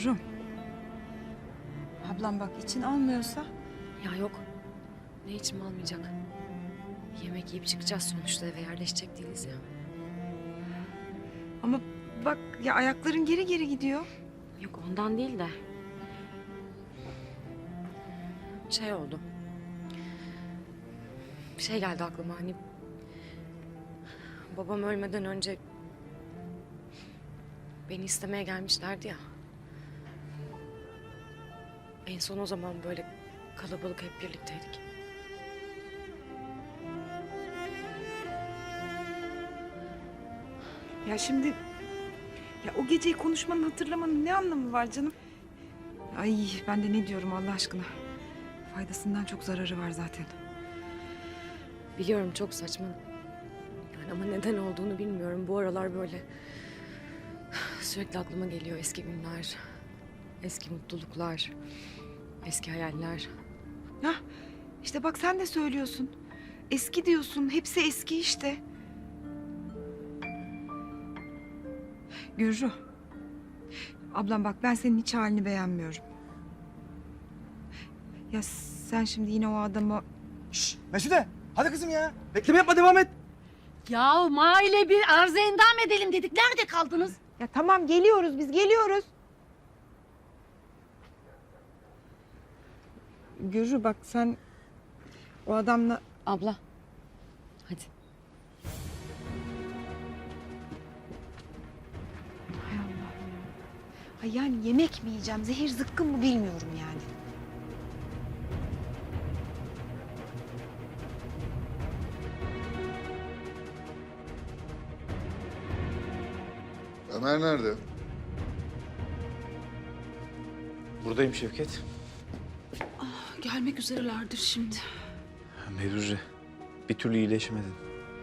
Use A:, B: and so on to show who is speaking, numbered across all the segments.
A: Gürrüm. Ablam bak için almıyorsa.
B: Ya yok. Ne içim almayacak. Yemek yiyip çıkacağız sonuçta, eve yerleşecek değiliz ya.
A: Ama bak ya ayakların geri geri gidiyor.
B: Yok ondan değil de. Şey oldu. Bir şey geldi aklıma, hani... Babam ölmeden önce... Beni istemeye gelmişlerdi ya. En son o zaman böyle kalabalık hep birlikteydik.
A: Ya şimdi ya o geceyi konuşmanın, hatırlamanın ne anlamı var canım? Ay ben de ne diyorum Allah aşkına. Faydasından çok zararı var zaten.
B: Biliyorum çok saçma. Yani ama neden olduğunu bilmiyorum. Bu aralar böyle sürekli aklıma geliyor eski günler, eski mutluluklar, eski hayaller.
A: Hah işte bak sen de söylüyorsun. Eski diyorsun. Hepsi eski işte. Gürru. Ablam bak ben senin hiç halini beğenmiyorum. Ya sen şimdi yine o adama...
C: Şşş Mesude, hadi kızım ya. Bekleme yapma, devam et.
D: Ya maile bir arıza endam edelim dedik. Nerede kaldınız?
A: Ya tamam geliyoruz biz geliyoruz. Gürru bak sen o adamla...
B: Abla, hadi.
A: Hay Allah'ım ya. Ay yani yemek mi yiyeceğim, zehir zıkkım mı bilmiyorum yani.
E: Ömer nerede?
C: Buradayım Şevket.
D: Gelmek üzerelerdir şimdi.
C: Mevruce, bir türlü iyileşmedin.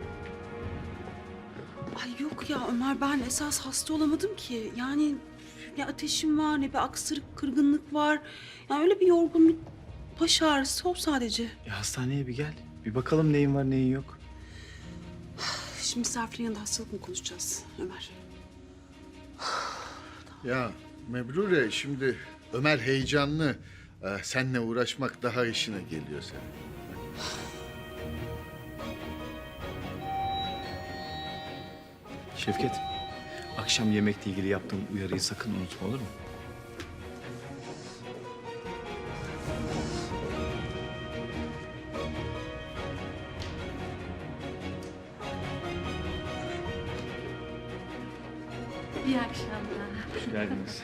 D: Ay yok ya Ömer, ben esas hasta olamadım ki. Yani ne ateşim var, ne bir aksırık, kırgınlık var. Yani öyle bir yorgunluk, baş ağrısı o sadece.
C: Hastaneye bir gel. Bir bakalım neyin var neyin yok.
D: Şimdi misafirin yanında hastalık mı konuşacağız Ömer?
E: Ya Mebrure, şimdi Ömer heyecanlı. Seninle uğraşmak daha işine geliyor senin.
C: Şevket, akşam yemekle ilgili yaptığım uyarıyı sakın unutma, olur mu?
D: İyi akşamlar.
C: Hoş geldiniz.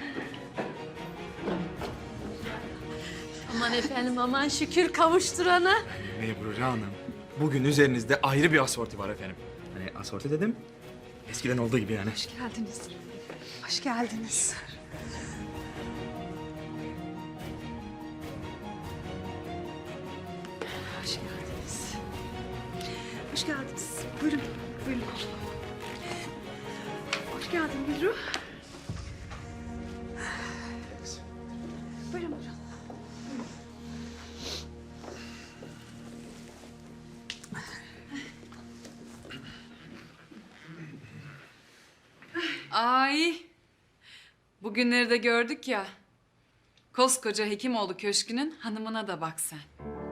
D: Aman efendim, aman şükür kavuşturana.
F: Mebrure Hanım, bugün üzerinizde ayrı bir asorti var efendim. Hani asorti dedim, eskiden olduğu gibi yani.
A: Hoş geldiniz. Hoş geldiniz. Hoş geldiniz. Hoş geldiniz. Buyurun, buyurun. Hoş geldin Gülru. Buyurun, buyurun.
G: Ay, bugünleri de gördük ya. Koskoca Hekimoğlu Köşkü'nün hanımına da bak sen.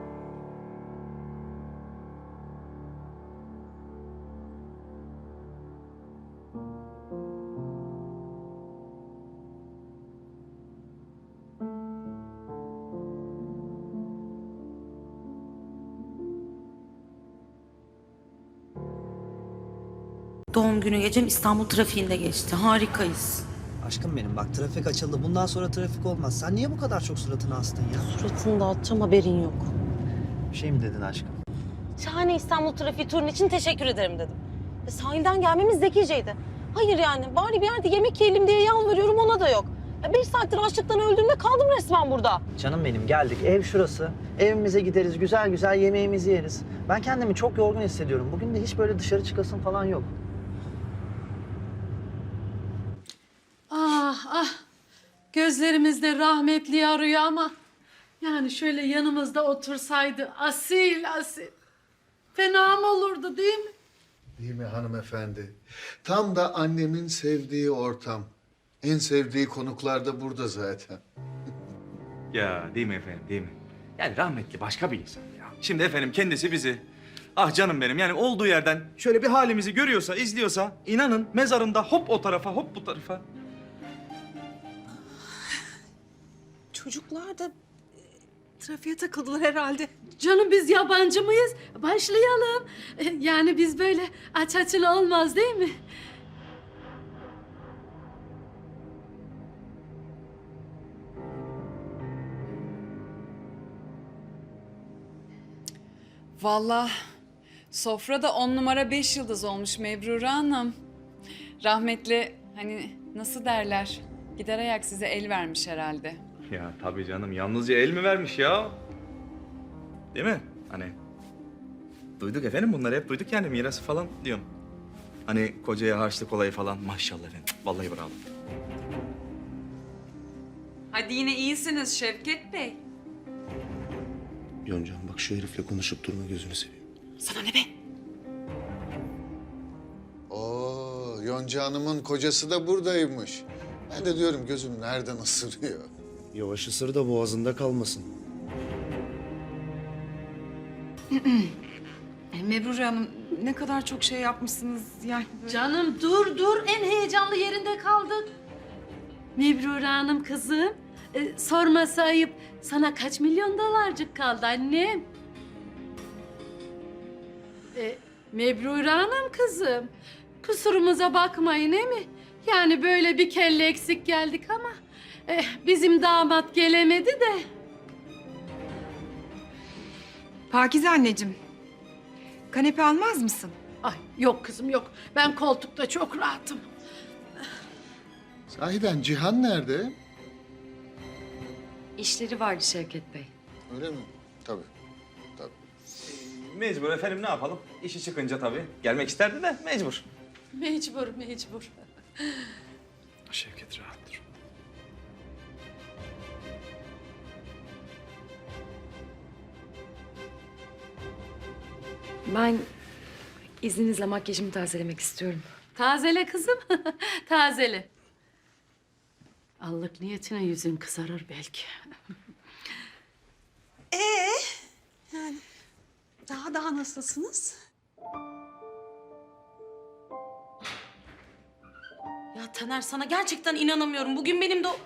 H: Doğum günü gecem İstanbul trafiğinde geçti. Harikayız.
I: Aşkım benim bak, trafik açıldı. Bundan sonra trafik olmaz. Sen niye bu kadar çok suratını astın ya?
H: Suratını dağıtacağım, haberin yok.
I: Bir şey mi dedin aşkım?
H: Şahane İstanbul trafiği turun için teşekkür ederim dedim. Sahilden gelmemiz zekiceydi. Hayır yani, bari bir yerde yemek yiyelim diye yalvarıyorum, ona da yok. 5 saattir açlıktan öldüğümde kaldım resmen burada.
I: Canım benim, geldik. Ev şurası. Evimize gideriz, güzel güzel yemeğimizi yeriz. Ben kendimi çok yorgun hissediyorum. Bugün de hiç böyle dışarı çıkasım falan yok.
D: Ah ah, gözlerimizde rahmetli arıyor ama... Yani şöyle yanımızda otursaydı asil asil. Fena mı olurdu değil mi?
E: Değil mi hanımefendi? Tam da annemin sevdiği ortam. En sevdiği konuklar da burada zaten.
F: Ya değil mi efendim, değil mi? Yani rahmetli başka bir insan ya. Şimdi efendim kendisi bizi, ah canım benim, yani olduğu yerden şöyle bir halimizi görüyorsa, izliyorsa, inanın mezarında hop o tarafa, hop bu tarafa.
D: Çocuklar da trafiğe takıldılar herhalde.
J: Canım biz yabancı mıyız? Başlayalım. Yani biz böyle aç açılı olmaz değil mi?
G: Vallahi sofra da 10 numara 5 yıldız olmuş Mebrure Hanım. Rahmetli hani nasıl derler? Gider ayak size el vermiş herhalde.
F: Ya tabii canım, yalnızca el mi vermiş ya? Değil mi? Hani duyduk efendim, bunları hep duyduk yani, mirası falan diyorum. Hani kocaya harçlık olayı falan, maşallah efendim. Vallahi bravo.
G: Hadi yine iyisiniz Şevket Bey.
C: Yoncan bak şu herifle konuşup durma, gözünü seveyim.
D: Sana ne be?
E: Oo, Yonca Hanım'ın kocası da buradaymış. Ben de diyorum gözüm nereden ısırıyor?
C: Yavaş ısır da boğazında kalmasın.
A: Mebrure Hanım ne kadar çok şey yapmışsınız yani. Böyle...
J: Canım dur en heyecanlı yerinde kaldık. Mebrure Hanım kızım. Sorması ayıp. Sana kaç milyon dolarcık kaldı annem? Mebrure Hanım kızım. Kusurumuza bakmayın değil mi? Yani böyle bir kelle eksik geldik ama bizim damat gelemedi de.
A: Pakize anneciğim, kanepe almaz mısın?
J: Ay yok kızım yok. Ben koltukta çok rahatım.
E: Sahiden Cihan nerede?
B: İşleri vardı Şevket Bey.
E: Öyle mi? Tabii. Tabii.
F: Mecbur efendim, ne yapalım? İşi çıkınca tabii. Gelmek isterdi de mecbur.
J: Mecbur.
C: Şevket rahat dur.
B: Ben izninizle makyajımı tazelemek istiyorum.
J: Tazele kızım. Tazele. Allık niyetine yüzün kızarır belki.
D: Daha nasılsınız?
H: Ya Taner sana gerçekten inanamıyorum. Bugün benim de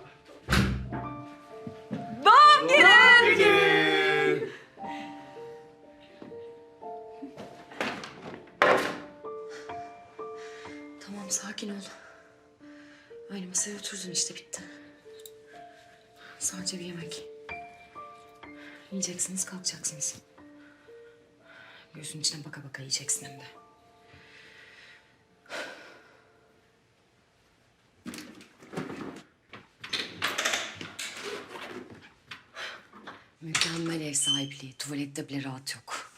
B: Tamam sakin ol. Aynı masaya oturdun işte, bitti. Sadece bir yemek. Yiyeceksiniz, kalkacaksınız. Gözünün içine baka baka yiyeceksin hem de. Mükemmel ev sahipliği. Tuvalette bile rahat yok.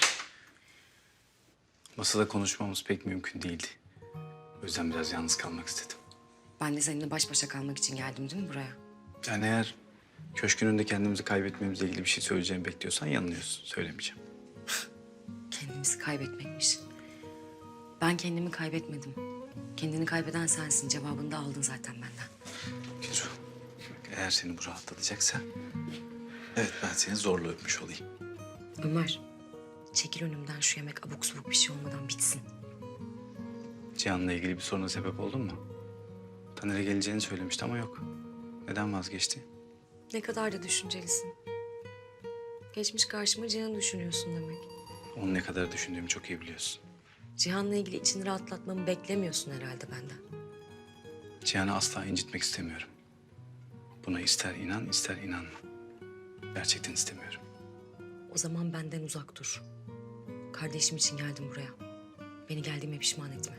C: Masada konuşmamız pek mümkün değildi. O yüzden biraz yalnız kalmak istedim.
B: Ben de seninle baş başa kalmak için geldim değil mi buraya?
C: Yani eğer köşkün önünde kendimizi kaybetmemizle ilgili bir şey söyleyeceğimi bekliyorsan yanılıyorsun. Söylemeyeceğim.
B: Kendimizi kaybetmekmiş. Ben kendimi kaybetmedim. Kendini kaybeden sensin. Cevabını da aldın zaten benden.
C: Gülru, bak eğer seni bu rahatlatacaksa... Evet, ben seni zorla öpmüş olayım.
B: Ömer, çekil önümden, şu yemek abuk subuk bir şey olmadan bitsin.
C: Cihan'la ilgili bir soruna sebep oldun mu? Taner'e geleceğini söylemişti ama yok. Neden vazgeçti?
B: Ne kadar da düşüncelisin. Geçmiş karşıma Cihan'ı düşünüyorsun demek.
C: Onu ne kadar düşündüğümü çok iyi biliyorsun.
B: Cihan'la ilgili içini rahatlatmamı beklemiyorsun herhalde benden.
C: Cihan'ı asla incitmek istemiyorum. Buna ister inan, ister inanma. Gerçekten istemiyorum.
B: O zaman benden uzak dur. Kardeşim için geldim buraya. Beni geldiğime pişman etme.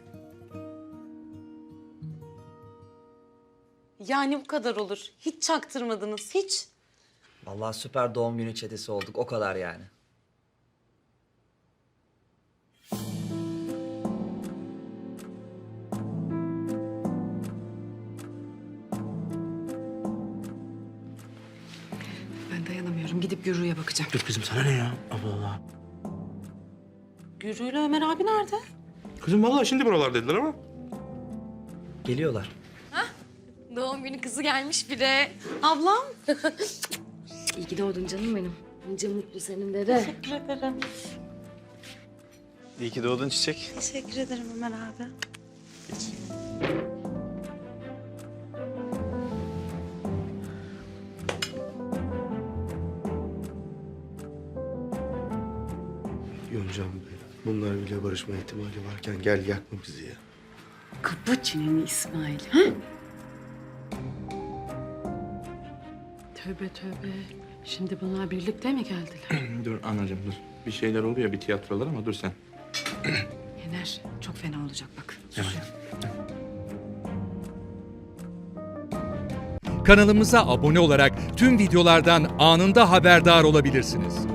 H: yani bu kadar olur. Hiç çaktırmadınız hiç.
I: Vallahi süper doğum günü çetesi olduk, o kadar yani.
A: Ben dayanamıyorum. Gidip Gürru'ya bakacağım.
F: Dur kızım, sana ne ya? Allah Allah.
H: Gürü ile Ömer abi nerede?
F: Kızım vallahi şimdi buralar dediler ama.
I: Geliyorlar.
B: Doğum günü kızı gelmiş bile.
H: Ablam.
B: İyi ki doğdun canım benim. Nice mutlu senin de.
H: Teşekkür ederim.
C: İyi ki doğdun Çiçek.
H: Teşekkür ederim Ömer abi.
C: Geç.
K: Yoncam be. Bunlar bile barışma ihtimali varken gel yakma bizi ya.
D: Kapa çeneni İsmail. Ha?
J: Tövbe tövbe. Şimdi bunlar birlikte mi geldiler?
F: Dur anacığım dur. Bir şeyler oluyor bir tiyatrolar ama dur sen.
A: Yener çok fena olacak bak.
L: Kanalımıza abone olarak tüm videolardan anında haberdar olabilirsiniz.